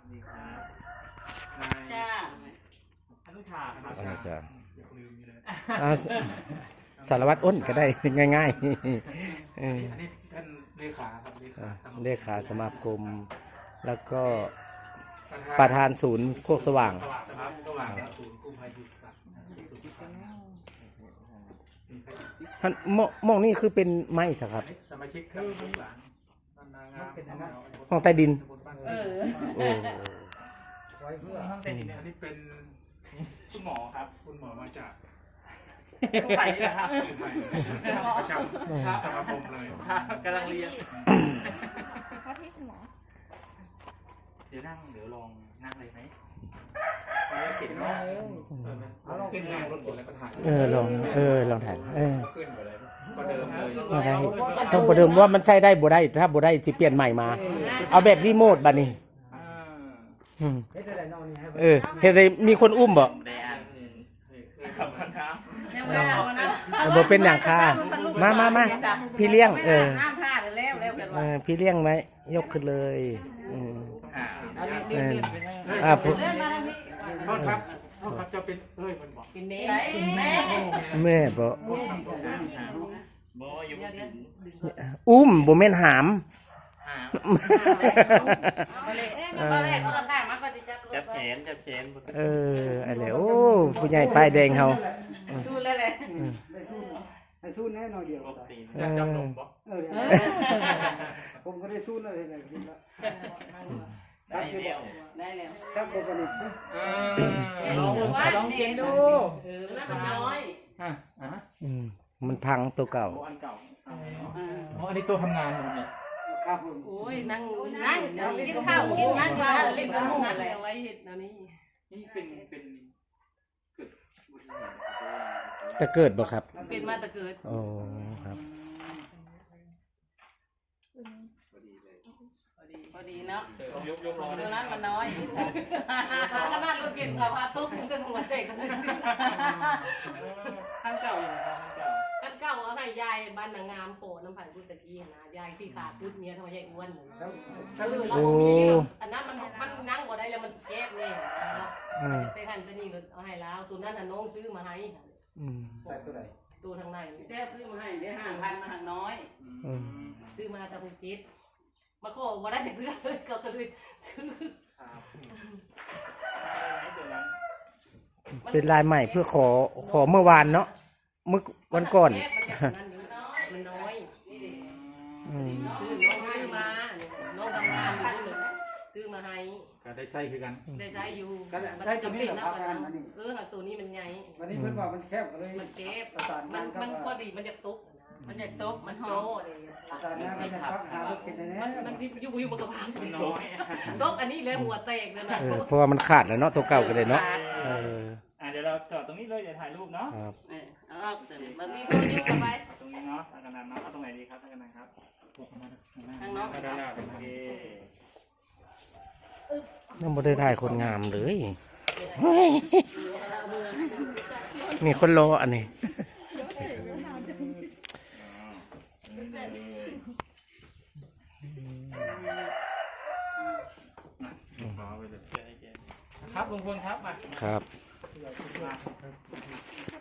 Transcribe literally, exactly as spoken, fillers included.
นี่ครับนายจ้าอนุชาครับอาจารย์อย่าลืมนี่เลยอ่าสสารวัตรอ้นก็ได้ ง่ายๆเอออันนี้ท่านเลขาครับเลขาอ่าสมาคมเลขาสมาคม แล้วก็ประธานศูนย์โคกสว่างสว่างนะครับสว่างครับศูนย์กู้ภัยยุทธศาสตร์ศูนย์ที่สามท่านมมองนี่คือเป็นไม้สครับสมาชิกครับลูกหลานบ้านนางามเป็นอะไรห้องใต้ดินเออโอ้ไว้เพื่อห้องใต้ดินเนี่ยอันนี้เป็นคุณหมอครับคุณหมอมาจากกู้ภัยนี่แหละครับกู้ภัยประจำสมาคมเลยกำลังเรียนว่าที่คุณหมอเดี๋ยวนั่งเดี๋ยวลองนั่งเลยไหมเอาเก็บเนาะเอาลองขึ้นนั่งรถกดแล้วก็ถ่ายเออลองเออลองถ่ายเออขึ้นไปเลยก็เดิมเลยมาได้ต้องประเดิมว่ามันใช้ได้บ่ได้ถ้าบ่ได้สิเปลี่ยนใหม่มา เอาแบบรีโมทบัดนี้อ่าอืมเออเฮ็ดได้มีคนอุ้มบ่ได้อ่านขอบคุณครับเร็วแล้วนะเอาบ่เป็นหยังค่ะมามามาพี่เลี้ยงเออน้ำท่าเร็วเร็วกันเอว่าอพี่เลี้ยงไหมยกขึ้นเลยอืมอ่าเอออ่าผมเลื่อนมาทางนี้โทษครับโทษครับจะเป็นเอ้ยมันบอกกินเมย์แม่แม่บ่โทษครับโทษครับบออยู่เดี๋ยวเดี๋ยวอุ้มบ่แม่นหามหาเอาเลยมาแรกเขาข้างมันก็จะจับจับแขนจับแขนเอออะไรโอ้ผู้ใหญ่ป้ายแดงเฮาสู้เลยเลยให้สู้แน่นอนเดียวปกติจับลมบ่เออผมก็ได้สู้เลยเลยคิดแล้วได้เดียวได้แล้วครับผมก็นี่ลองลองเขียนดูเออน่าจะน้อยอ่ะอ่ะอืมมันพังตัวเก่าอันเก่าอ๋ออันนี้ตัวทำงานผมเนี่ยครับผมโอ้ยนั่งนั่งกินข้าวกินนั่งอยู่นั่นรีบมานั่นเลยเอาไว้เห็ดนะนี่นี่เป็นเป็นเกิดบุญเหตุจะเกิดบ่ครับเป็นมาแต่เกิดโอ้ครับพอดีเลยพอดีพอดีเนาะยกยกร้อนตัวนั้นมันน้อยขนาดรถเก็บกับพาตุ๊กถึงกันหัวเตะกันเลยข้างเก่าอยู่นะครับข้างเก่ากันเก่าเอาให้ยายบ้านนางงามโผล่น้ำไผ่พุทธกี้นะยายที่ขาดพุทธเมียทำไมยายอ้วนเออเราบ่มีอันนั้นมันมันนั่งบ่ได้แล้วมันแก้บเนี่ยอืมไปหันไปนี่ก็เอาให้แล้วตัวนั้นน่ะน้องซื้อมาให้อืมใส่ตัวไหนตัวทางในแก้บซื้อมาให้ได้ห้าพันมาทางน้อยอืมซื้อมาจากภูเก็ตมาขอมาได้เพื่อนเลยก็เลยซื้อครับไหนตัวนั้นเป็นลายใหม่เพื่อขอขอเมื่อวานเนาะเมื่อวันก่อนมันน้อยอืมซื้อน้องซื้อมาน้องทำงานอยู่นี่เลยซื้อมาให้ก็ได้ใส่คือกันได้ใช้อยู่มันจำเป็นนะเออตัวนี้มันใหญ่วันนี้เพิ่นว่ามันแคบก็เลยมันเก็บประสานมังาน นครับมันพอดีมันจะตุกมันจะตุกมันโตประสานงานกันครับหารถกินแน่มันมันสิอยู่อยู่บนกระเพามันน้อยตุกอันนี้เลยหัวแตกเลยนะเออเพราะว่ามันขาดแล้วเนาะตัวเก่าก็เลยเนาะเอออ่ะเดี๋ยวเราจอดตรงนี้เลยเดี๋ยวถ่ายรูปเนาะครับเออเอามันมีคนอยู่กันไปตรงนี้เนาะทางกันนั้นเนาะเอาตรงไหนดีครับทางกันนั้นครับทางน้องทางด้านหน้าโอเคยังบ่ได้ถ่ายคนงามเลยเฮ้ยมีคนรออันนี้ครับลุงพลครับมาครับมา